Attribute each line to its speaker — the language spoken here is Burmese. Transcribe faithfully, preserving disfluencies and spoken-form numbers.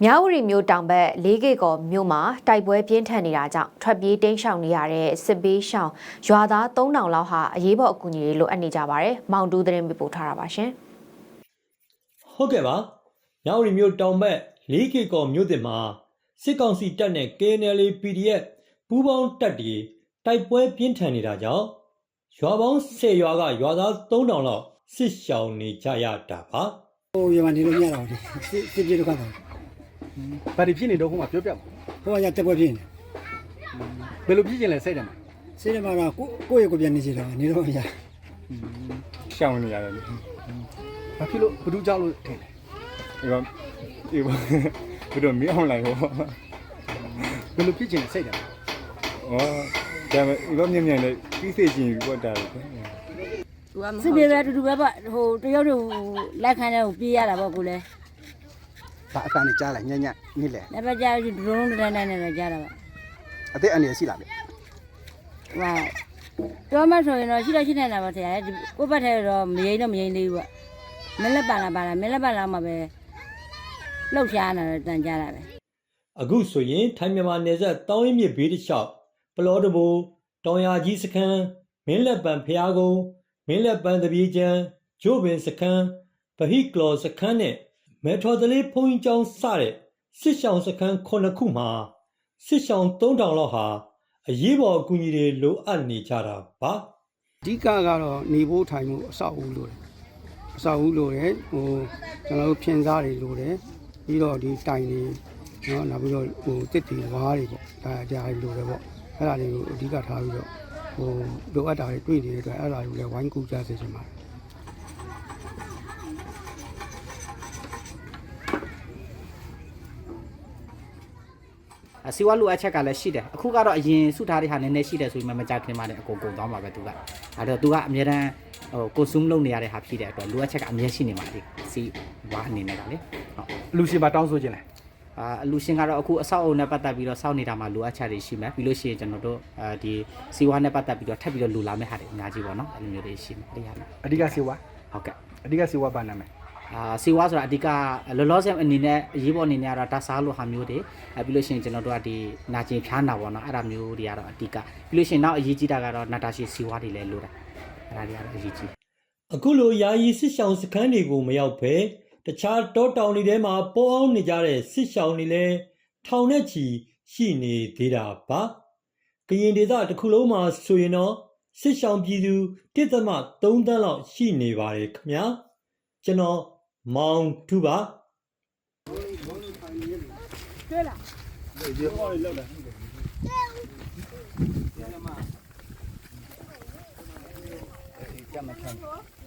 Speaker 1: မြဝတီမြို့တောင်ဘက်လေးကေကော်မြို့မှာတိုက်ပွဲပြင်းထန်နေတာကြောင့်ထွက်ပြေးတိမ်းရှောင်နေရတဲ့စစ်ပေးရှောင်ရွာသားသုံးထောင်လောက်ဟာအရေးပေါ်အကူအညီတွေလိုအပ်နေကြပါတယ်။မောင်တူးသတင်းပေးပို့ထားတာပါရှင်
Speaker 2: ။ဟုတ်ကဲ့ပါ။မြဝတီမြို့တောင်ဘက်လေးကေကော်မြို့တင်မှာစစ်ကောင်စီတပ်နဲ့ K N L A P D F ပူးပေါင်းတပ်တွေတိုက်ပွဲပြင်းထန်နေတာကြောင့်ရွာပေါင်းဆယ်ရွာကရွာသားသုံးထောင်လောက်စစ်ရှောင်နေကြရတာပါ
Speaker 3: ။ဟိုရွာနေလို့မရတော့ဘူး။စစ်စစ်ပြေတော့ကတော့
Speaker 4: ဘာတွေဖြစ်နေတော့ဟိုမှာပြောပြပါ
Speaker 3: ဟိုကရတက်ပွဲဖြစ်နေ
Speaker 4: ဘယ်လိုဖြစ်ကျင်လဲစိတ်တယ်မှာ
Speaker 3: စိတ်တယ်မှာတော့ကိုကိုယ့်ရဲ့ကိုပြန်နေစီတော့နေတော့မရ
Speaker 4: ရှောင်းနေရတယ်ဘာဖြစ်လို့ဘဒူးကြောက်လို့ထင်တယ်ဒီကဒီဘဒူးမင်းအောင်လိုက်ဟောဘယ်လိုဖြစ်ကျင်လဲစိတ်တယ်ဩဒါပေမဲ့လောမြင်မြင်လေးပြီးစေချင်ပြီးတော့တာလေ
Speaker 5: စစ်ပြေပဲတူတူပဲပေါ့ဟိုတရုတ်တွေလက်ခံတဲ့ကိုပြေးရတာပေါ့ကိုလည်း
Speaker 4: ဘာအတန်းနဲ့ကြားလိုက်ညံ့ညံ့နိလဲ
Speaker 5: လက်ပတ်ကြားဒရုန်းဒတိုင်းနဲ့လည်းကြားတာပါ
Speaker 4: အသက်အနေရှိလားဗျ
Speaker 5: ဟိုတော့မှဆိုရင်တော့ရှိတော့ရှိနေတာပါဆရာလေကိုယ့်ဘက်ထဲတော့မရင်တော့မရင်သေးဘူးပေါ့မလက်ပါလားပါလားမလက်ပါလားမှပဲလှုပ်ရှားနေတာတန်ကြတာပဲ
Speaker 2: အခုဆိုရင်ထိုင်းမြန်မာနယ်စပ်တောင်းရင်မြစ်ဘေးတစ်လျှောက်ပလောတဘူတောင်ယာကြီးစခန်းမင်းလက်ပံဖျားကုန်းမင်းလက်ပံတပြေချံဂျိုးပင်စခန်းဗဟိကလောစခန်းနဲ့မဲထော်တလေးဖုန်ကျောင်းစတဲ့စစ်ရှောင်းစခန်းခုနှစ်ခုမှာစစ်ရှောင်းသုံးထောင်လောက်ဟာအရေးပေါ်အကူအညီတွေလိုအပ်နေကြတာပါ
Speaker 3: အဓိကကတော့နေဖို့ထိုင်မှုအဆောက်အဦလိုတယ်အဆောက်အဦလိုတယ်ဟိုကျွန်တော်တို့ဖြင်းစားတွေလိုတယ်ပြီးတော့ဒီတိုင်တွေနော်နောက်ပြီးတော့ဟိုတစ်တီဝါးတွေပေါ့ဒါအကြိုင်လိုတယ်ပေါ့အဲ့ဒါတွေကိုအဓိကထားပြီးတော့ဟိုလိုအပ်တာတွေတွေ့နေတဲ့အတွက်အဲ့ဒါတွေကိုလည်းဝိုင်းကူကြစေချင်ပါတယ်
Speaker 6: စီဝါလူအချက်ကလည်းရှိတယ်အခုကတော့အရင်စုထားတဲ့ဟာနည်းနည်းရှိတယ်ဆိုပြီးမှမကြခင်မှလည်းအကုန်ကုန်သွားမှာပဲသူကအဲ့တော့သူကအများတန်းဟို consume လုပ်နေရတဲ့ဟာဖြစ်တဲ့အတွက်လူအချက်ကအများရှိနေမှာလေစီဝါအနေနဲ့ကလေ
Speaker 4: ဟုတ်လူရှင်မှာတောင်းဆိုခြင်းလဲ
Speaker 6: အာလူရှင်ကတော့အခုအဆောက်အအုံနဲ့ပတ်သက်ပြီးတော့စောင့်နေတာမှာလူအချက်တွေရှိမယ်ပြီးလို့ရှိရင်ကျွန်တော်တို့အဲဒီစီဝါနဲ့ပတ်သက်ပြီးတော့ထပ်ပြီးတော့လူလာမယ့်ဟာတွေအများကြီးပေါ့နော်အဲ့လိုမျိုးတွေရှိမယ်အဲ့ဒီဟာ
Speaker 4: အဓိကစီဝါ
Speaker 6: ဟုတ်ကဲ့
Speaker 4: အဓိကစီဝါဘာနာမည်
Speaker 6: အာစီဝါဆိုတာအဓိကလောလောဆယ်အနေနဲ့အရေးပေါ်အနေနဲ့ကတော့တာစားလို့ဟာမျိုးတွေအဲပြီးလို့ရှိရင်ကျွန်တော်တို့ကဒီနာကျင်ဖျားနာပေါ့နော်အဲ့ဒါမျိုးတွေကတော့အဓိကပြီးလို့ရှိရင်နောက်အရေးကြီးတာကတော့နာတာရှည်စီဝါတွေလည်းလိုတာအဲ့ဒါတွေကတော့အရေးကြီး
Speaker 2: အခုလိုယာယီစစ်ရှောင်းစခန်းတွေကိုမရောက်ဘဲတခြားတောတောင်တွေထဲမှာပေါအောင်နေကြတဲ့စစ်ရှောင်းတွေလည်းထောင်နဲ့ချီရှိနေသေးတာပါကရင်ဒေသတစ်ခုလုံးမှာဆိုရင်တော့စစ်ရှောင်းပြည်သူတစ်သမသုံးသန်းလောက်ရှိနေပါတယ်ခင်ဗျာကျွန်တော်မောင်တူပါ
Speaker 3: တွေ့လားဒီဟောလေးလောက်လာကျမခံ